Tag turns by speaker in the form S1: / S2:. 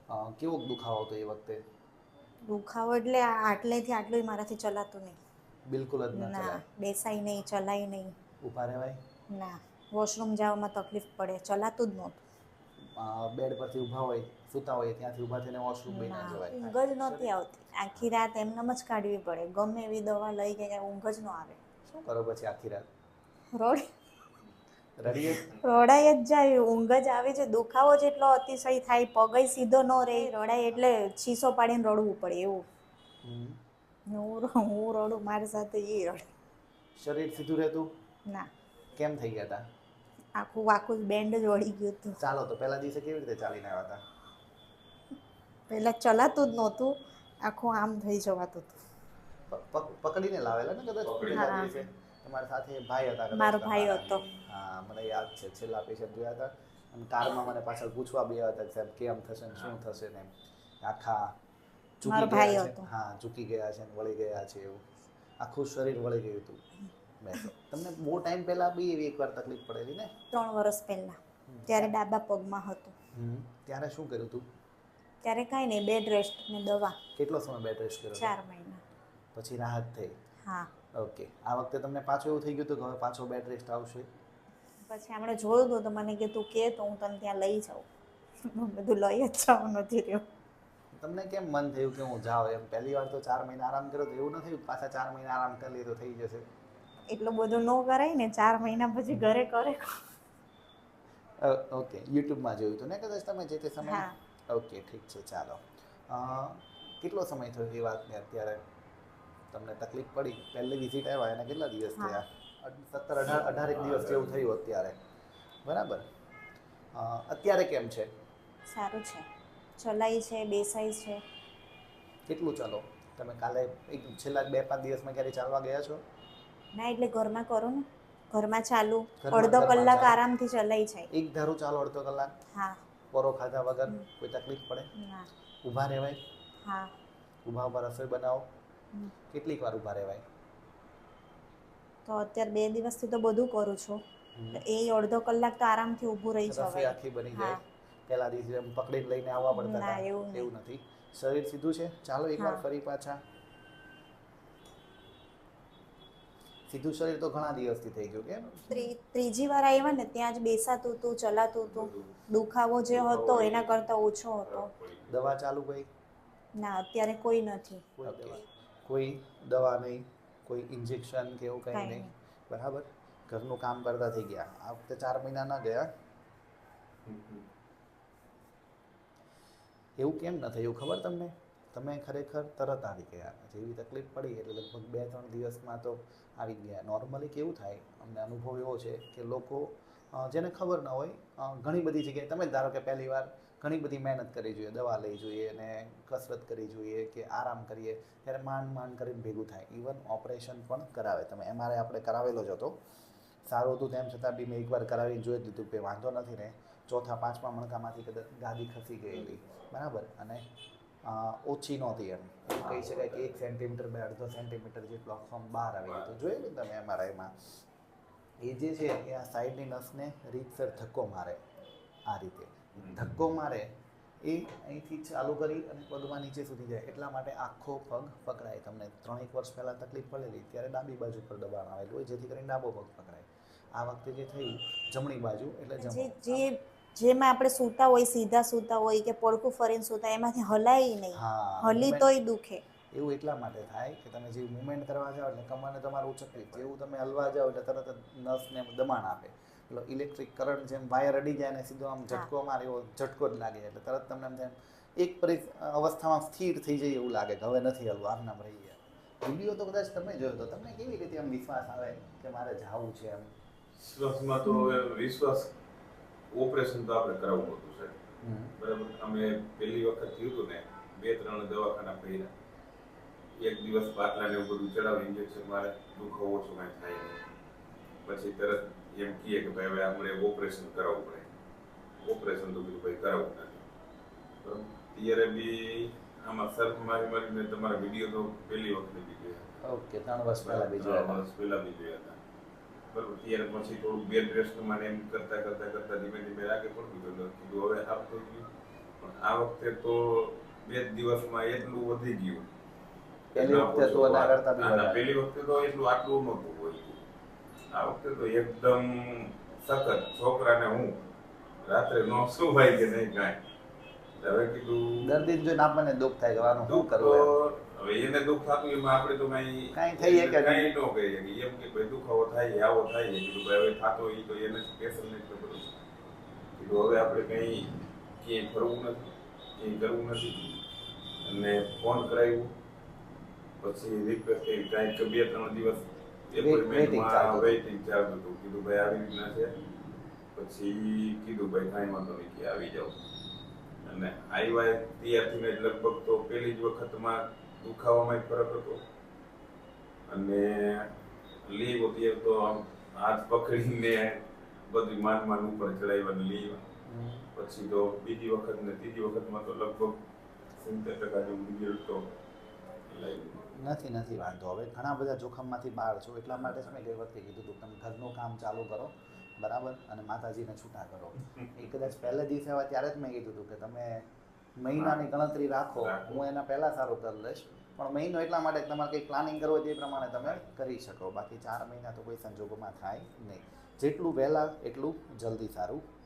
S1: કેવો દુખાવો હતો એ વખતે?
S2: દુખાવો એટલે આટલેથી આટલું મારાથી ચલાતું
S1: બિલકુલ જ
S2: નહીં.
S1: ન
S2: ના,
S1: ચલાય.
S2: બેસાય નહીં, ચલાય નહીં.
S1: ઊભા રહેવાય?
S2: ના, વોશરૂમ જવામાં તકલીફ પડે, ચલાતું જ નહોતું.
S1: બેડ પરથી ઊભા હોય, સૂતા હોય ત્યાંથી ઊભા થઈને વોશરૂમ બી ના જવાય.
S2: ઊંઘ જ નહોતી આવતી. આખી રાત એમનેમ જ કાઢવી પડે. ગમે એવી દવા લઈ કે ઊંઘ જ ન આવે.
S1: શું કરો પછી આખી રાત?
S2: રોડ
S1: રડીએ?
S2: રડાઈ જ જાય, ઊંઘ જ આવે છે. દુખાવો જ એટલો અતિશય થાય, પગય સીધો ન રહે. રડાય એટલે ચીસો પાડીને રડવું પડે એવું.
S1: હમ.
S2: હું રડું, મારી સાથે એ રડે.
S1: શરીર સીધું રહેતું?
S2: ના,
S1: કેમ થઈ ગયા હતા?
S2: આખું આખું બેન્ડ જ વળી ગયું હતું.
S1: ચાલો તો પહેલા દિવસે કેવી રીતે ચાલીને આવ્યા હતા?
S2: પહેલાં ચલાતું જ નહોતું, આખું આમ થઈ જવાતું હતું.
S1: પકડીને લાવેલા ને કદાચ પહેલા દિવસે? તમારી સાથે ભાઈ હતા કદાચ
S2: મારો ભાઈ
S1: તમારા?
S2: હતો.
S1: હા, મને યાદ છે. છેલ્લા પેશન્ટ જોયા હતા અને કારમાં મને પાછળ પૂછવા બી આવ્યા હતા કે સાહેબ કેમ થશે ને શું થશે ને આખા
S2: મારો
S1: ઝૂકી
S2: ભાઈ
S1: ગયા છે.
S2: હતો.
S1: હા, ઝૂકી ગયા છે ને વળી ગયા છે એવું આખું શરીર વળી ગયું હતું. બેસો. તમને બહુ ટાઈમ પહેલા બી એવી એકવાર તકલીફ પડેલી ને?
S2: 3 વર્ષ પહેલાં, ત્યારે ડાબા પગમાં હતું.
S1: ત્યારે શું કર્યું હતું?
S2: ત્યારે કાંઈ નહીં, બેડ રેસ્ટ ને દવા.
S1: કેટલો સમય બેડ રેસ્ટ કર્યો?
S2: 4 મહિના.
S1: પછી રાહત થઈ?
S2: હા.
S1: ઓકે. આ વખતે તમને પાછું એવું થઈ ગયું હતું કે હવે પાછો બેડ રેસ્ટ આવશે?
S2: પછી આપણે જોયું હતું તો મને કે તું કે તો હું તને ત્યાં લઈ જાઉં. બધું લઈ જ જાઉં, નથી રહ્યું.
S1: તમને કેમ મન થયું કે હું જાઉં એમ? પહેલી વાર તો 4 મહિના આરામ કર્યો તો એવું ન થયું પાછા 4 મહિના આરામ કરી લઈએ તો થઈ જશે?
S2: એટલું બધું ન કરાય ને, 4 મહિના પછી ઘરે કરે.
S1: ઓકે, યુટ્યુબમાં જોયું હતું ને કદાચ તમે જે તે સમયે?
S2: હા.
S1: ઓકે, ઠીક છે, ચાલો. કેટલો સમય થયો એ વાતને અત્યારે તમને તકલીફ પડી? પહેલી વિઝિટ આવ્યા એને કેટલા દિવસ
S2: હા.
S1: થયા? 17-18 દિવસ જેવું થયું અત્યારે, બરાબર? અત્યારે કેમ છે?
S2: સારું છે, ચલાય છે, બેસાય છે.
S1: કેટલું ચાલો? તમે કાલે છેલ્લા 2-5 દિવસમાં ક્યારે ચાલવા ગયા છો?
S2: ના, એટલે ઘરમાં કરો ને, ઘરમાં ચાલુ.
S1: ઘરમાં
S2: અડધો
S1: ઘરમાં
S2: કલાક
S1: ચાલો?
S2: આરામથી ચલાય જાય.
S1: એક ધારું ચાલો અડધો કલાક?
S2: હા.
S1: પોરો ખાધા વગર? કોઈ તકલીફ પડે?
S2: ના.
S1: ઊભા રહેવાય?
S2: હા.
S1: ઊભા રસોઈ બનાવો? કેટલીક વાર ઊભા રહેવાય?
S2: તો અત્યારે 2 દિવસથી તો બધું કરું છું. એ અડધો કલાક તો આરામથી ઊભું રહી
S1: રસોઈ
S2: જવાય.
S1: આખી બની
S2: હા.
S1: જાય? પહેલા દિવસે એમ પકડીને લઈને આવવા પડતા
S2: ના,
S1: હતા?
S2: એવું નહીં.
S1: નથી. શરીર સીધું છે? ચાલો એકવાર
S2: હા.
S1: ફરી પાછા. સીધું શરીર તો ઘણા દિવસથી થઈ ગયું કેમ?
S2: ત્રીજી વાર આવ્યા ને ત્યાં જ બેસાતું હતું, ચલાતું હતું. દુખાવો જે હતો એના કરતાં ઓછો હતો.
S1: દવા ચાલુ કઈ?
S2: ના, અત્યારે કોઈ નથી.
S1: કોઈ દવા નહીં, કોઈ ઇન્જેક્શન કે એવું કંઈ
S2: કાંઈ
S1: નહીં,
S2: નહીં.
S1: બરાબર? ઘરનું કામ કરતા થઈ ગયા. આ વખતે 4 મહિના ન ગયા. એવું કેમ ન થયું ખબર તમને? તમે ખરેખર તરત આવી ગયા. જેવી તકલીફ પડી એટલે લગભગ 2-3 દિવસમાં તો આવી ગયા. નોર્મલી કેવું થાય, અમને અનુભવ એવો છે કે લોકો જેને ખબર ન હોય ઘણી બધી જગ્યાએ તમે ધારો કે પહેલી વાર ઘણી બધી મહેનત કરવી જોઈએ, દવા લઈ જોઈએ અને કસરત કરવી જોઈએ કે આરામ કરીએ ત્યારે માંડ કરીને ભેગું થાય. ઇવન ઓપરેશન પણ કરાવે. તમે MRI આપણે કરાવેલો જ હતો, સારું હતું તેમ છતાં બી મેં એકવાર કરાવીને જોઈ લીધું કે વાંધો નથી ને. 4-5મા મણકામાંથી કદાચ ગાદી ખસી ગયેલી, બરાબર? અને ઓછી નહોતી એમ કહી શકાય કે 1 સેન્ટીમીટર બે 1.5 સેન્ટીમીટર જેટલો ફોર્મ બહાર આવી ગયો. તો જોયેલું તમે MRIમાં એ જે છે એ આ સાઈડની નસને રીતસર ધક્કો મારે. આ રીતે ધક્કો મારે એ અહીંથી ચાલુ કરી અને પગમાં નીચે સુધી જાય. એટલા માટે આખો પગ પકડાય. તમને 3-1 વર્ષ પહેલાં તકલીફ પડેલી ત્યારે ડાબી બાજુ પર દબાણ આવેલું હોય જેથી કરીને ડાબો પગ પકડાય. આ વખતે જે થયું જમણી બાજુ એટલે
S2: જેમાં આપણે સૂતા હોય, સીધા સૂતા હોય કે પડખું ફરીને સૂતા, એમાંથી હલાય નહીં.
S1: હા,
S2: હલી
S1: મુમેન્ટ
S2: તોય દુખે.
S1: એવું એટલા માટે થાય કે તમે જે મુવમેન્ટ કરવા જાઓ એટલે કમરને તમારું ઉચકવી, જેવું તમે હલવા જાઓ એટલે તરત જ નસને દબાણ આપે. એટલે ઇલેક્ટ્રિક કરંટ જેમ વાયર અડી જાય ને સીધો આમ ઝટકો મારે એવો ઝટકો જ લાગે. એટલે તરત તમને એમ એક અવસ્થામાં સ્થિર થઈ જાય એવું લાગે કે હવે નથી હલવું, આમ નામ રહી ગયા. વિડીયો તો કદાચ તમે જોયો તો તમને કેવી રીતે એમ વિશ્વાસ આવે કે મારે જાવું છે એમ?
S3: વિશ્વાસમાં તો હવે વિશ્વાસ ઓપરેશન તો આપણે કરાવવું હતું સાહેબ, બરાબર? અમે પહેલી વખત થયું હતું ને 2-3 દવાખાના કર્યા. એક દિવસ બાટલા ને એવું બધું ચડાવી ઇન્જેક્શન મારે, દુખાવો ઓછો કાંઈ થાય નહીં. પછી તરત એમ કહે કે ભાઈ હવે આપણે ઓપરેશન કરાવવું પડે. ઓપરેશન તો બીજું ભાઈ કરાવવું નથી, બરાબર? ત્યારે બી આમાં સર્ફ મારીને તમારા વિડીયો તો પહેલી વખત બી જોયા.
S1: ઓકે, 3 વર્ષ પહેલાં બી
S3: 3
S1: જોયા
S3: વર્ષ પહેલા બી જોયા હતા, બરાબર? ત્યારે પછી થોડું બેડ રેસ્ટ મને એમ કરતા ધીમે ધીમે લાગે પણ કીધું હવે સારું થઈ ગયું. પણ આ વખતે તો 2 દિવસમાં એટલું વધી ગયું.
S1: પહેલી વખતે તો એના કરતા બી વધારે.
S3: પહેલી વખતે તો એટલું આટલું નહોતું હોય. આ વખતે તો એકદમ સખત. છોકરાને હું રાત્રે નો સુવાય કે નહીં કાંઈ. હવે કીધું
S1: દર્દીને જોઈને આપણને દુઃખ થાય કે આનું શું
S3: દુઃખ
S1: કરવું એમ.
S3: તો હવે એને દુઃખ થતું એમાં આપણે તો
S1: કાંઈ
S3: કાંઈ
S1: થઈ શકે નહીં.
S3: કાંઈ ન કહીએ કે એમ કે ભાઈ દુખાવો થાય આવો થાય કીધું ભાઈ હવે થતો હોય તો એને સ્પેશિયલ નહીં ખબર હોય. કીધું હવે આપણે કંઈ ક્યાંય ફરવું નથી ક્યાંય કરવું નથી અને ફોન કરાવ્યો પછી રિક્વેસ્ટ કરી કાંઈક 2-3 દિવસ એપોઇન્ટમેન્ટમાં વેઇટિંગ ચાલતું હતું. કીધું ભાઈ આવી રીતના છે. પછી કીધું ભાઈ કાંઈ વાંધો નહીં કે આવી જાઓ અને આવ્યા તૈયાર થઈને જ લગભગ તો પહેલી જ વખતમાં દુખાવામાં ફરક હતો અને લીવ અત્યારે તો આમ હાથ પકડીને બધી માન ઉપર ચડાવ્યા લીવ. પછી તો બીજી વખત ને ત્રીજી વખતમાં તો લગભગ 70% જેવું રિઝલ્ટ તો લાગ્યું.
S1: નથી વાંધો. હવે ઘણા બધા જોખમમાંથી બહાર છો એટલા માટે જ મેં ગઈ વખતે કીધું હતું તમે ઘરનું કામ ચાલુ કરો બરાબર અને માતાજીને છૂટા કરો. એ કદાચ પહેલે દિવસે આવ્યા ત્યારે જ મેં કીધું હતું કે તમે મહિનાની ગણતરી રાખો, હું એના પહેલાં સારું કરી લઈશ, પણ મહિનો એટલા માટે કે તમારે કંઈક પ્લાનિંગ કરવું હોય તે પ્રમાણે તમે કરી શકો. બાકી 4 મહિના તો કોઈ સંજોગોમાં થાય નહીં. જેટલું વહેલા એટલું જલ્દી સારું